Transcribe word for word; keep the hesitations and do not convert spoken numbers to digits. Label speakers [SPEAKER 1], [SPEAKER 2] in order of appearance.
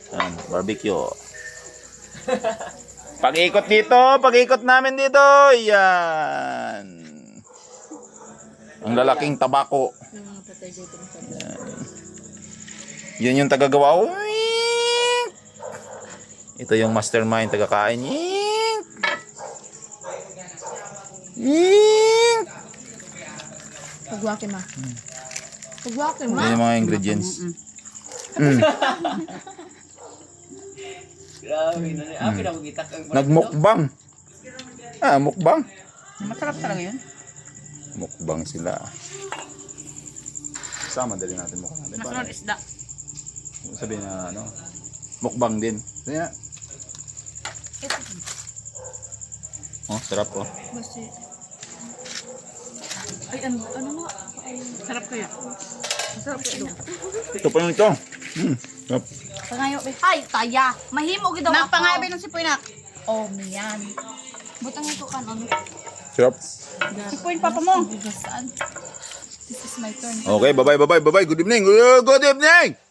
[SPEAKER 1] Yan, barbecue. Pag-ikot dito, pag-ikot namin dito. Yan. Ang lalaking tabako. Yan. Yun yung tagagawa. Uing! Ito yung mastermind tagakain. Uing! Uing!
[SPEAKER 2] Pagwakin ma. Pagwakin ma.
[SPEAKER 1] Yan yung mga ingredients. Mm.
[SPEAKER 3] Grabe na niya. Akin ako gitak ang
[SPEAKER 1] Nagmukbang. Ah, mukbang.
[SPEAKER 4] Masarap talaga yun.
[SPEAKER 1] Mukbang sila. Sama dali natin mukha natin.
[SPEAKER 4] Masunod isda.
[SPEAKER 1] Sabihin na ano, mukbang din. Kaya, oh, sarap oh.
[SPEAKER 2] Basta. Ay, ano, ano nga?
[SPEAKER 4] Sarap kaya.
[SPEAKER 2] Masarap ka ito.
[SPEAKER 1] Ito pa yung ito. Mm, sarap.
[SPEAKER 2] Pangayo, be. Ay, taya. Mahimo gid daw ako.
[SPEAKER 4] Napangayabay ng sipoy nak.
[SPEAKER 2] Oh, miyan. Butang ito kan ano.
[SPEAKER 1] Sarap.
[SPEAKER 4] Sipoy papa mo.
[SPEAKER 2] Saan? This is my turn.
[SPEAKER 1] Okay, bye-bye, bye-bye, bye-bye. Good evening. Good evening.